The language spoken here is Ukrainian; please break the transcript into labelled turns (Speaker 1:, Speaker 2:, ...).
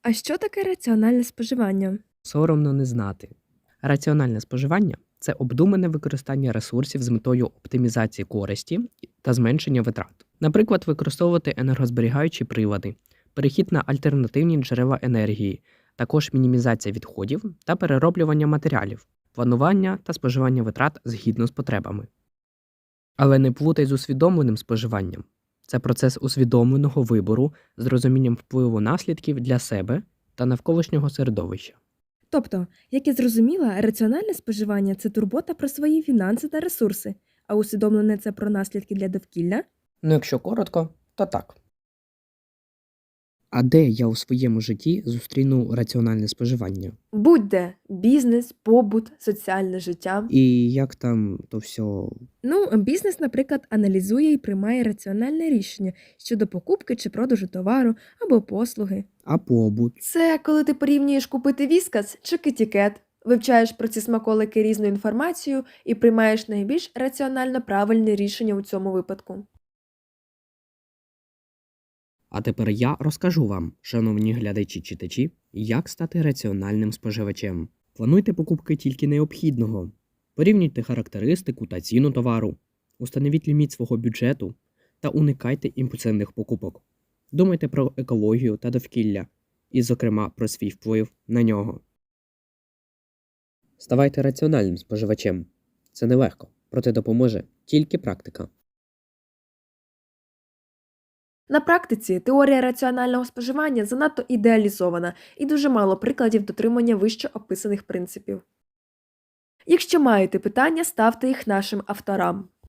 Speaker 1: А що таке раціональне споживання?
Speaker 2: Соромно не знати. Раціональне споживання це обдумане використання ресурсів з метою оптимізації користі та зменшення витрат. Наприклад, використовувати енергозберігаючі прилади, перехід на альтернативні джерела енергії, також мінімізація відходів та перероблювання матеріалів, планування та споживання витрат згідно з потребами. Але не плутай з усвідомленим споживанням. Це процес усвідомленого вибору з розумінням впливу наслідків для себе та навколишнього середовища.
Speaker 1: Тобто, як я зрозуміла, раціональне споживання – це турбота про свої фінанси та ресурси, а усвідомлене – це про наслідки для довкілля?
Speaker 2: Ну, якщо коротко, то так. А де я у своєму житті зустріну раціональне споживання?
Speaker 1: Будь-де – бізнес, побут, соціальне життя.
Speaker 2: І як там то все?
Speaker 1: Бізнес, наприклад, аналізує і приймає раціональне рішення щодо покупки чи продажу товару або послуги.
Speaker 2: А побут?
Speaker 1: Це коли ти порівнюєш купити віскас чи китікет, вивчаєш про ці смаколики різну інформацію і приймаєш найбільш раціонально правильне рішення у цьому випадку.
Speaker 2: А тепер я розкажу вам, шановні глядачі-читачі, як стати раціональним споживачем. Плануйте покупки тільки необхідного. Порівнюйте характеристику та ціну товару. Установіть ліміт свого бюджету та уникайте імпульсивних покупок. Думайте про екологію та довкілля, і, зокрема, про свій вплив на нього. Ставайте раціональним споживачем. Це нелегко, проте допоможе тільки практика.
Speaker 1: На практиці теорія раціонального споживання занадто ідеалізована і дуже мало прикладів дотримання вище описаних принципів. Якщо маєте питання, ставте їх нашим авторам.